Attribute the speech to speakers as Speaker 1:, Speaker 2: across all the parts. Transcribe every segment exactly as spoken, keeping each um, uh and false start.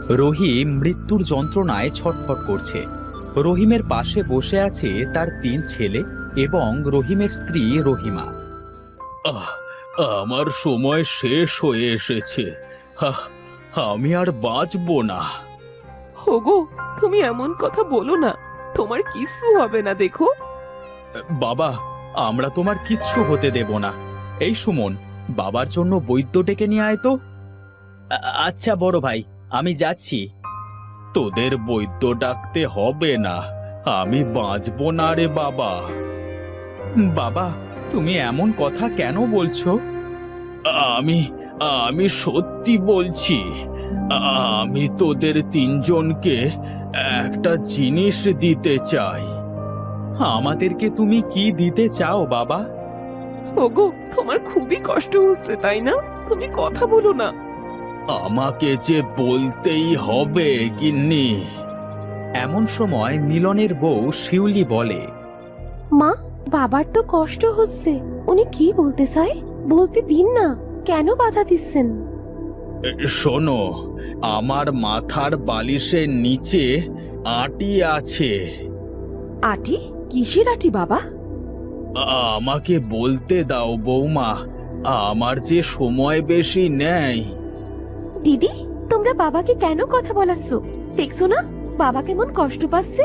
Speaker 1: রহিম মৃত্যুর যন্ত্রণায় ছটফট করছে। রহিমের পাশে বসে আছে তার তিন ছেলে এবং রহিমের স্ত্রী রহিমা। আহ, আমার সময় শেষ হয়ে এসেছে। আহ, আমি আর বাঁচবো না।
Speaker 2: ওগো, তুমি এমন কথা বলো না, তোমার কিচ্ছু হবে না। দেখো
Speaker 1: বাবা, আমরা তোমার কিচ্ছু হতে দেব না। এই সুমন, বাবার জন্য বৈদ্য ডেকে নিয়ে আয় তো। আচ্ছা বড় ভাই, আমি যাচ্ছি। তোদের বৈদ্য ডাকতে হবে না, আমি বাঁচবো না রে বাবা। বাবা, তুমি এমন কথা কেন বলছো? আমি আমি সত্যি বলছি। আমি তোদের তিনজনকে একটা জিনিস দিতে চাই। আমাদেরকে তুমি কি দিতে চাও বাবা?
Speaker 2: ওগো, তোমার খুবই কষ্ট হচ্ছে তাই না? তুমি কথা বলো না।
Speaker 1: আমাকে যে বলতেই হবে গিন্নি। এমন সময় মিলনের বউ শিউলি বলে,
Speaker 3: মা, বাবার তো কষ্ট হচ্ছে, উনি কি বলতে চায় বলতে দিন না, কেন বাধা দিচ্ছেন?
Speaker 1: শোনো, আমার মাথার বালিশের নিচে আটি আছে।
Speaker 3: আটি? কিসের আটি বাবা?
Speaker 1: আমাকে বলতে দাও বৌমা, আমার যে সময় বেশি নেই।
Speaker 3: দিদি, তোমরা বাবাকে কেন কথা বলাচ্ছ? দেখছো না বাবা কেমন কষ্ট পাচ্ছে?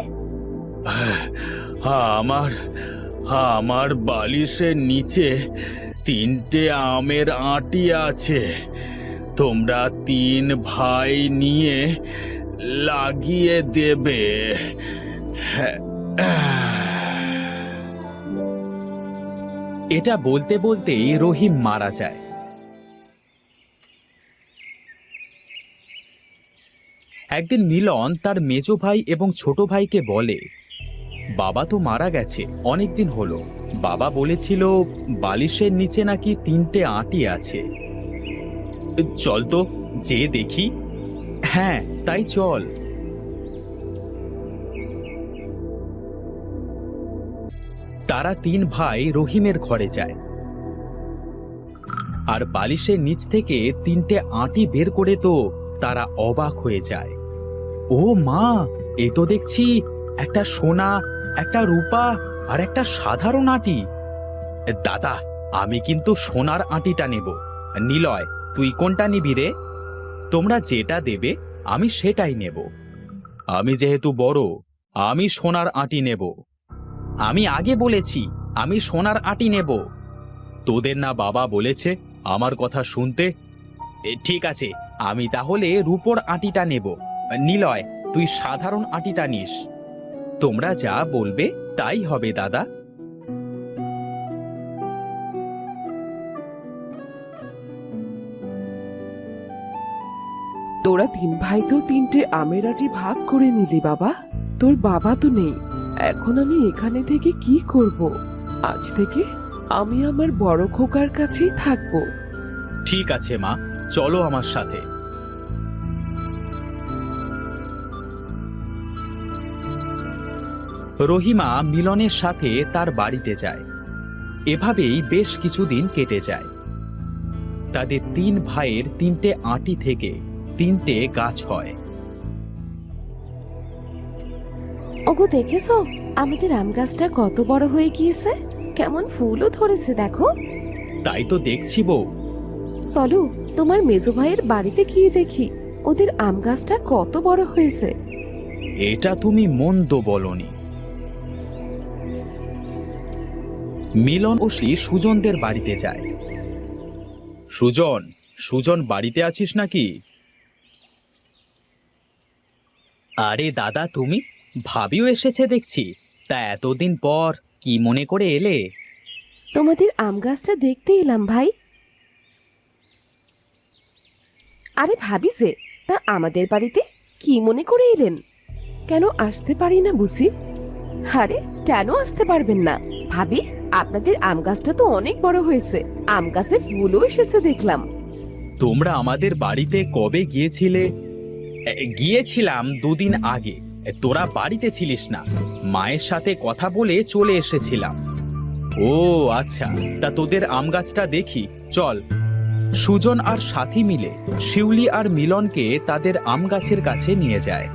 Speaker 1: আমার আমার বালিশের নিচে তিনটে আমের আটি আছে। তোমরা তিন ভাই নিয়ে লাগিয়ে দেবে। এটা বলতে বলতেই রহিম মারা যায়। একদিন মিলন তার মেজো ভাই এবং ছোট ভাইকে বলে, বাবা তো মারা গেছে অনেকদিন হলো। বাবা বলেছিল বালিশের নিচে নাকি তিনটে আটি আছে। চল তো, যে দেখি। হ্যাঁ, তাই চল। তারা তিন ভাই রহিমের ঘরে যায় আর বালিশের নিচ থেকে তিনটে আটি বের করে তো তারা অবাক হয়ে যায়। ও মা, এ তো দেখছি একটা সোনা, একটা রূপা আর একটা সাধারণ আটি। দাদা, আমি কিন্তু সোনার আটিটা নেব। নিলয়, তুই কোনটা নিবি রে? তোমরা যেটা দেবে আমি সেটাই নেব। আমি যেহেতু বড়, আমি সোনার আটি নেব। আমি আগে বলেছি আমি সোনার আটি নেব। তোদের না বাবা বলেছে আমার কথা শুনতে? ঠিক আছে, আমি তাহলে রূপোর আটিটা নেব। নিলয়, তুই সাধারণ আটিটা নিস। তোমরা যা বলবে তাই হবে দাদা।
Speaker 2: তোরা তিন ভাই তো তিনটে আমের আটি ভাগ করে নিলি বাবা। তোর বাবা তো নেই, এখন আমি এখানে থেকে কি করব? আজ থেকে আমি আমার বড় খোকার কাছেই থাকবো।
Speaker 1: ঠিক আছে মা, চলো আমার সাথে। রহিমা মিলনের সাথে তার বাড়িতে যায়। এভাবেই বেশ কিছুদিন কেটে যায়। তাদের তিন ভাইয়ের তিনটে আটি থেকে তিনটে গাছ হয়।
Speaker 3: ওগো, দেখেছো আমাদের আম গাছটা কত বড় হয়ে গিয়েছে? কেমন ফুলও ধরেছে দেখো।
Speaker 1: তাই তো দেখছি বউ।
Speaker 3: চলো তোমার মেজো ভাইয়ের বাড়িতে গিয়ে দেখি ওদের আম গাছটা কত বড় হয়েছে।
Speaker 1: এটা তুমি মন্দ বলনি। মিলন ও শ্রী সুজনদের বাড়িতে যায়। সুজন, সুজন বাড়িতে আছিস নাকি? আরে দাদা, তুমি? ভাবিও এসেছে দেখছি। তা এতদিন পর কি মনে করে এলে?
Speaker 3: তোমাদের আম গাছটা দেখতে এলাম ভাই। আরে ভাবি যে, তা আমাদের বাড়িতে কি মনে করে এলেন? কেন আসতে পারি না বুঝি? আরে কেন আসতে পারবেন না ভাবি? আপনাদের আম গাছটা তো অনেক বড় হয়েছে, আম গাছে ফুলও এসেছে দেখলাম।
Speaker 1: তোমরা আমাদের বাড়িতে কবে গিয়েছিলে? এ, গিয়েছিলাম দুদিন আগে। এ, তোরা বাড়িতে ছিলিস না, মায়ের সাথে কথা বলে চলে এসেছিলাম। ও আচ্ছা, তা তোদের আম গাছটা দেখি চল। সুজন আর সাথী মিলে শিউলি আর মিলনকে তাদের আম গাছের কাছে নিয়ে যায়।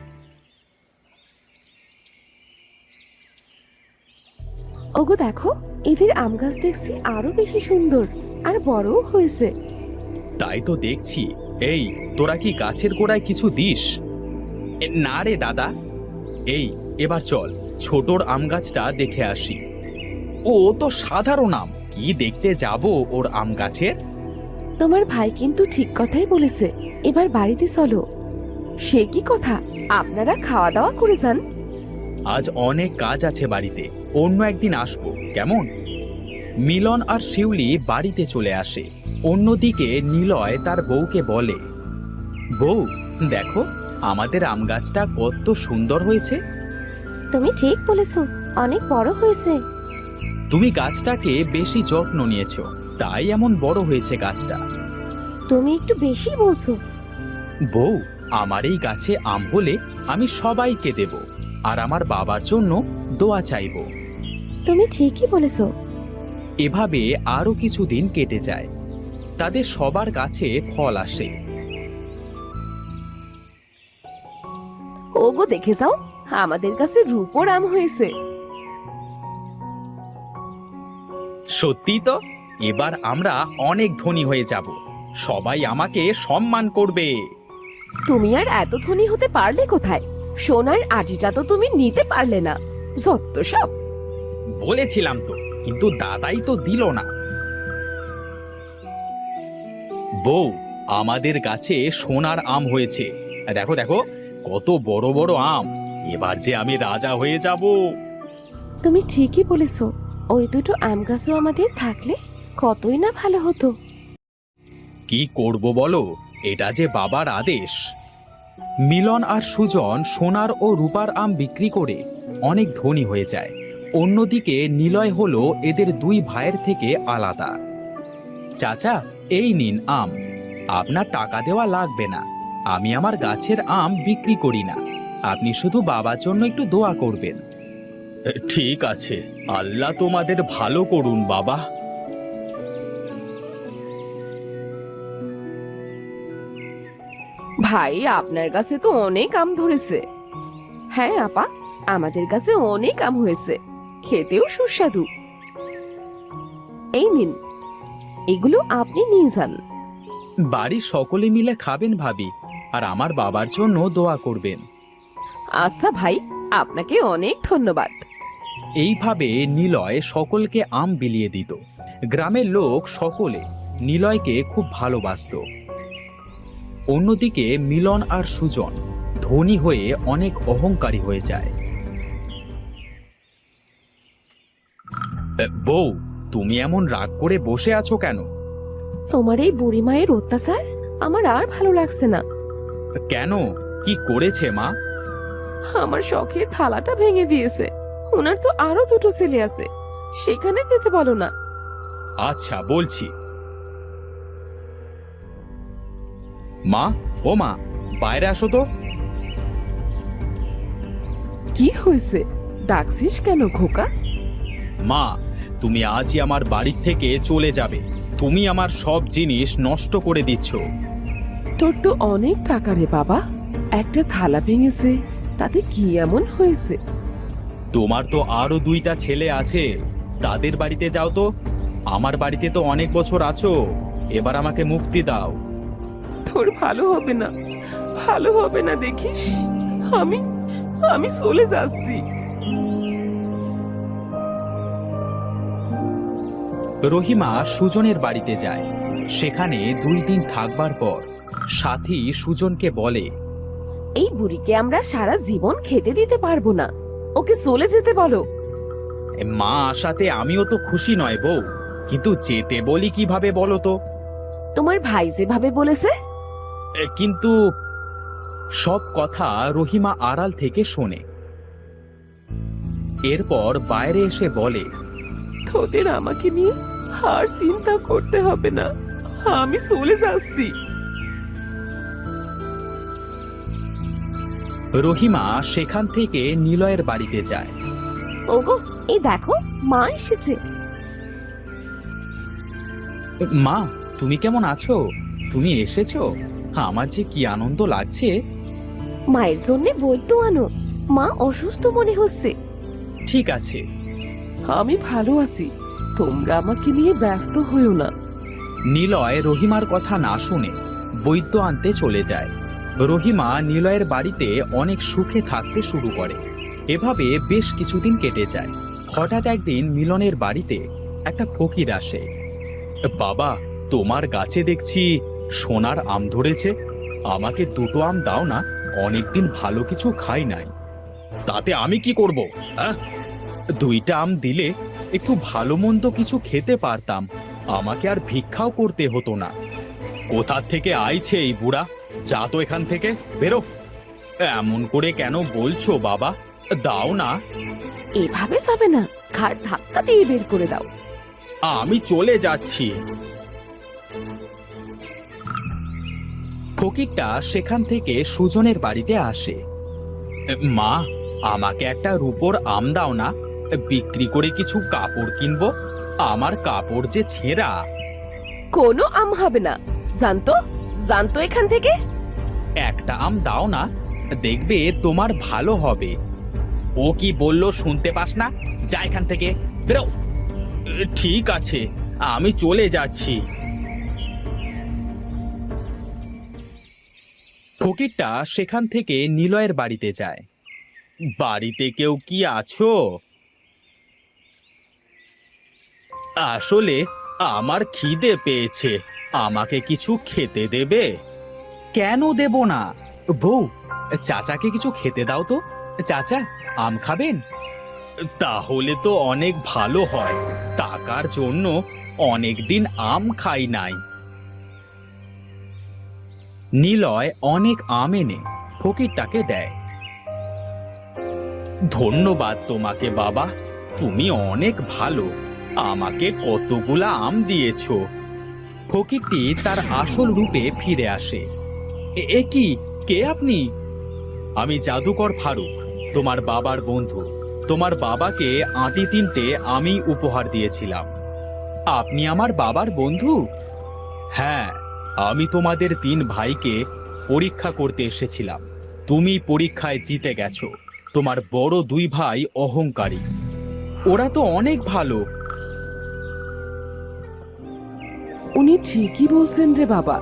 Speaker 3: ওগো দেখো, এদের আম গাছ দেখছি আরো বেশি সুন্দর আর বড়ও হয়েছে।
Speaker 1: তাই তো দেখছি। এই, তোরা কি গাছের গোড়ায় কিছু দিস? এ, না রে দাদা। এই, এবার চল ছোটর আম গাছটা দেখে আসি। ও তো সাধারণ আম, কি দেখতে যাব ওর আম গাছের?
Speaker 3: তোমার ভাই কিন্তু ঠিক কথাই বলেছে, এবার বাড়িতে চলো। সে কি কথা, আপনারা খাওয়া দাওয়া করে যান।
Speaker 1: আজ অনেক কাজ আছে বাড়িতে, অন্য একদিন আসবো, কেমন? মিলন আর শিউলি বাড়িতে চলে আসে। অন্যদিকে নিলয় তার বউকে বলে, বউ দেখো আমাদের আম গাছটা কত সুন্দর হয়েছে।
Speaker 3: তুমি ঠিক বলেছো, অনেক বড় হয়েছে।
Speaker 1: তুমি গাছটাকে বেশি যত্ন নিয়েছো, তাই এমন বড় হয়েছে গাছটা।
Speaker 3: তুমি একটু বেশি বলছো।
Speaker 1: বউ, আমার এই গাছে আম হলে আমি সবাইকে দেব, আর আমার বাবার জন্য দোয়া চাইব।
Speaker 3: তুমি ঠিকই বলেছো।
Speaker 1: এভাবে আরো কিছুদিন কেটে যায়। তাদের সবার গাছে ফল আসে।
Speaker 3: ওগো দেখে যাও, আমাদের কাছে রূপোর আম হয়েছে।
Speaker 1: সত্যি তো, এবার আমরা অনেক ধনী হয়ে যাব, সবাই আমাকে সম্মান করবে।
Speaker 3: তুমি আর এত ধনী হতে পারলে কোথায়? সোনার আটিটা তো তুমি নিতে পারলে না, যত সব।
Speaker 1: বলেছিলাম তো, কিন্তু দাদাই তো দিল না। বউ, আমাদের গাছে সোনার আম হয়েছে, দেখো দেখো কত বড় বড় আম। এবার যে আমি রাজা হয়ে যাব।
Speaker 3: তুমি ঠিকই বলেছো, ওই দুটো আম গাছও আমাদের থাকলে কতই না ভালো হতো।
Speaker 1: কি করব বলো, এটা যে বাবার আদেশ। মিলন আর সুজন সোনার ও রূপার আম বিক্রি করে অনেক ধনী হয়ে যায়। অন্যদিকে নিলয় হলো এদের দুই ভাইয়ের থেকে আলাদা। চাচা, এই নিন আম, আপনার টাকা দেওয়া লাগবে না, আমি আমার গাছের আম বিক্রি করি না, আপনি শুধু বাবার জন্য একটু দোয়া করবেন। ঠিক আছে, আল্লাহ তোমাদের ভালো করুন বাবা।
Speaker 3: ভাই, আপনার কাছে তো অনেক আম ধরেছে। হ্যাঁ আপা, আমাদের কাছে অনেক আম হয়েছে, খেতেও সুস্বাদু। এই নিন, এগুলো আপনি নিয়ে যান।
Speaker 1: বাড়ির সকলে মিলে খাবেন ভাবি, আর আমার বাবার জন্য দোয়া করবেন।
Speaker 3: আচ্ছা ভাই, আপনাকে অনেক ধন্যবাদ।
Speaker 1: এইভাবে নিলয় সকলকে আম বিলিয়ে দিত। গ্রামের লোক সকলে নিলয়কে খুব ভালোবাসত। অন্যদিকে মিলন আর সুজন ধনী হয়ে অনেক অহংকারী হয়ে যায়। বউ, তুমি এমন রাগ করে বসে আছো কেন?
Speaker 3: তোমার এই বুড়ি মায়ের অত্যাচার আমার আর ভালো লাগছে না।
Speaker 1: কেন, কি করেছে মা?
Speaker 3: আমার শখের থালাটা ভেঙে দিয়েছে। ওনার তো আরো দুটো ছেলে আছে, সেখানে যেতে বলো না।
Speaker 1: আচ্ছা বলছি। মা, ও মা, বাইরে আসো তো।
Speaker 2: কি হয়েছে, ডাকছিস কেন খোকা?
Speaker 1: মা, তুমি আজই আমার বাড়ির থেকে চলে যাবে। তুমি আমার সব জিনিস নষ্ট করে দিচ্ছ।
Speaker 2: তোর তো অনেক টাকা রে বাবা, একটা থালা ভেঙেছে, তাতে কি এমন হয়েছে?
Speaker 1: তোমার তো আরো দুইটা ছেলে আছে, তাদের বাড়িতে যাও তো। আমার বাড়িতে তো অনেক বছর আছো, এবার আমাকে মুক্তি দাও।
Speaker 2: তোর ভালো হবে না, ভালো হবে না দেখিস। আমি আমি চলে যাচ্ছি।
Speaker 1: রহিমা সুজনের বাড়িতে যায়। সেখানে দুই দিন থাকবার পর সাথী সুজনকে বলে,
Speaker 3: এই বুড়িকে আমরা সারা জীবন খেতে দিতে পারবো না, ওকে চলে যেতে বলো।
Speaker 1: মা আসাতে আমিও তো খুশি নয় বউ, কিন্তু যেতে বলি কিভাবে বলো তো?
Speaker 3: তোমার ভাই যেভাবে বলেছে।
Speaker 1: এ, কিন্তু সব কথা রহিমা আড়াল থেকে শোনে। এরপর বাইরে এসে বলে,
Speaker 2: তোদের আমাকে নিয়ে আর চিন্তা করতে হবে না, আমি চলে যাচ্ছি।
Speaker 1: রহিমা সেখান থেকে নিলয়ের বাড়িতে যায়।
Speaker 3: ওগো, এই দেখো মা এসেছে।
Speaker 1: মা, তুমি কেমন আছো? তুমি এসেছো? আমার যে কি আনন্দ লাগছে।
Speaker 3: মায়ের জন্য বৈদ্য আনো, মা অসুস্থ মনে হচ্ছে।
Speaker 1: ঠিক আছে।
Speaker 2: আমি ভালো আছি, তোমরা আমাকে নিয়ে ব্যস্ত হইও না।
Speaker 1: নিলয় রহিমার কথা না শুনে বৈদ্য আনতে চলে যায়। রহিমা নিলয়ের বাড়িতে অনেক সুখে থাকতে শুরু করে। এভাবে বেশ কিছুদিন কেটে যায়। হঠাৎ একদিন মিলনের বাড়িতে একটা ফকির আসে। বাবা, তোমার গাছে দেখছি সোনার আম ধরেছে, আমাকে দুটো আম দাও না, অনেকদিন ভালো কিছু খাই নাই। তাতে আমি কি করব? আহ? দুইটা আম দিলে একটু ভালো মন্দ কিছু খেতে পারতাম, আমাকে আর ভিক্ষাও করতে হতো না। কোথা থেকে আইছে এই বুড়া? যা তো এখান থেকে, বেরো। এমন করে কেন বলছো বাবা? দাও না।
Speaker 3: এভাবে যাবে না, ঘাড় ধাক্কা দিয়ে বের করে দাও।
Speaker 1: আমি চলে যাচ্ছি। ফকিরটা সেখান থেকে সুজনের বাড়িতে আসে। মা, আমাকে একটা রূপোর আম দাও না, বিক্রি করে কিছু কাপড় কিনবো, আমার কাপড় যে ছেঁড়া।
Speaker 3: কোনো আম হবে না, জানতো জানতো এখান থেকে।
Speaker 1: একটা আম দাও না, দেখবে তোমার ভালো হবে। ও কি বললো শুনতে পাস না? যা এখান থেকে, বেরো। ঠিক আছে, আমি চলে যাচ্ছি। ফকিরটা সেখান থেকে নিলয়ের বাড়িতে যায়। বাড়িতে কেউ কি আছো? আসলে আমার খিদে পেয়েছে, আমাকে কিছু খেতে দেবে? কেন দেব না? বউ, চাচাকে কিছু খেতে দাও তো। চাচা, আম খাবেন? তাহলে তো অনেক ভালো হয়, টাকার জন্য অনেকদিন আম খাই নাই। নিলয় অনেক আম এনে ফকিরটাকে দেয়। ধন্যবাদ তোমাকে বাবা, তুমি অনেক ভালো, আমাকে কতগুলা আম দিয়েছো। ফকিরটি তার আসল রূপে ফিরে আসে। এ- এ কি, কে আপনি? আমি জাদুকর ফারুক, তোমার বাবার বন্ধু। তোমার বাবাকে আঁটি তিনটে আমি উপহার দিয়েছিলাম। আপনি আমার বাবার বন্ধু? হ্যাঁ, আমি তোমাদের তিন ভাইকে পরীক্ষা করতে এসেছিলাম। তুমি পরীক্ষায় জিতে গেছো। তোমার বড় দুই ভাই অহংকারী, ওরা তো অনেক ভালো।
Speaker 2: উনি ঠিকই বলছেন রে বাবা।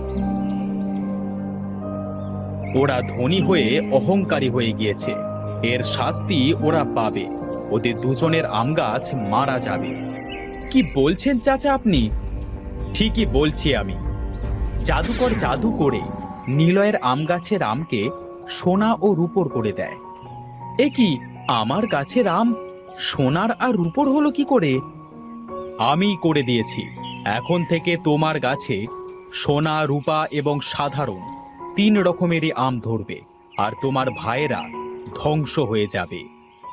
Speaker 1: ওরা ধনী হয়ে অহংকারী হয়ে গিয়েছে, এর শাস্তি ওরা পাবে। ওদের দুজনের আম গাছ মারা যাবে। কি বলছেন চাচা আপনি? ঠিকই বলছি আমি। জাদুকর জাদু করে নিলয়ের আম গাছের আমকে সোনা ও রূপোর করে দেয়। এ কি, আমার গাছের আম সোনার আর রূপোর হলো কি করে? আমি করে দিয়েছি। এখন থেকে তোমার গাছে সোনা, রূপা এবং সাধারণ তিন রকমেরই আম ধরবে, আর তোমার ভাইয়েরা ধ্বংস হয়ে যাবে।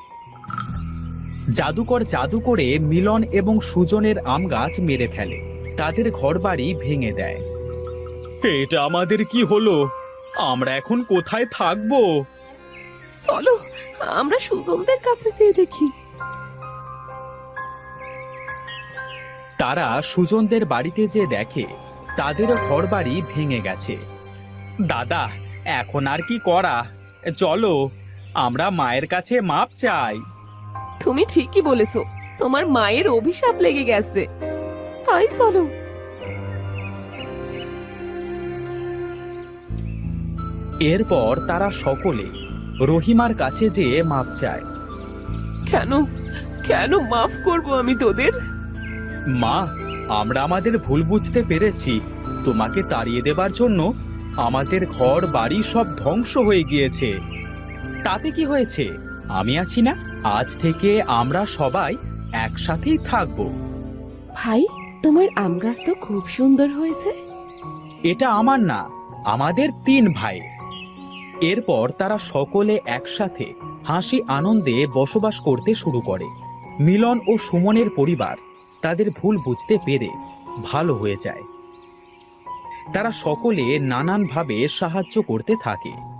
Speaker 1: জাদুকর জাদু করে মিলন এবং সুজনের আম গাছ মেরে ফেলে, তাদের ঘরবাড়ি ভেঙে দেয়। এটা আমাদের কি হলো? আমরা এখন কোথায় থাকবো?
Speaker 2: চলো আমরা সুজনদের কাছে যেয়ে দেখি।
Speaker 1: তারা সুজনদের বাড়িতে যে দেখে তাদেরও ঘরবাড়ি ভেঙে গেছে। দাদা, এখন আর কি করা? চলো, আমরা মায়ের কাছে মাপ চাই।
Speaker 2: তুমি ঠিকই বলেছো, তোমার মায়ের অভিশাপ লেগে গেছে। তাই চলো।
Speaker 1: এরপর তারা সকলে রহিমার কাছে যেয়ে মাপ চায়।
Speaker 2: কেন কেন মাফ করব আমি তোদের?
Speaker 1: মা, আমরা আমাদের ভুল বুঝতে পেরেছি। তোমাকে তাড়িয়ে দেবার জন্য আমাদের ঘর বাড়ি সব ধ্বংস হয়ে গিয়েছে। তাতে কি হয়েছে? আমি আছি না, আজ থেকে আমরা সবাই একসাথেই থাকবো।
Speaker 3: ভাই, তোমার আম গাছ তো খুব সুন্দর হয়েছে।
Speaker 1: এটা আমার না, আমাদের তিন ভাই। এরপর তারা সকলে একসাথে হাসি আনন্দে বসবাস করতে শুরু করে। মিলন ও সুমনের পরিবার তাদের ভুল বুঝতে পেরে ভালো হয়ে যায়। তারা সকলে নানানভাবে সাহায্য করতে থাকে।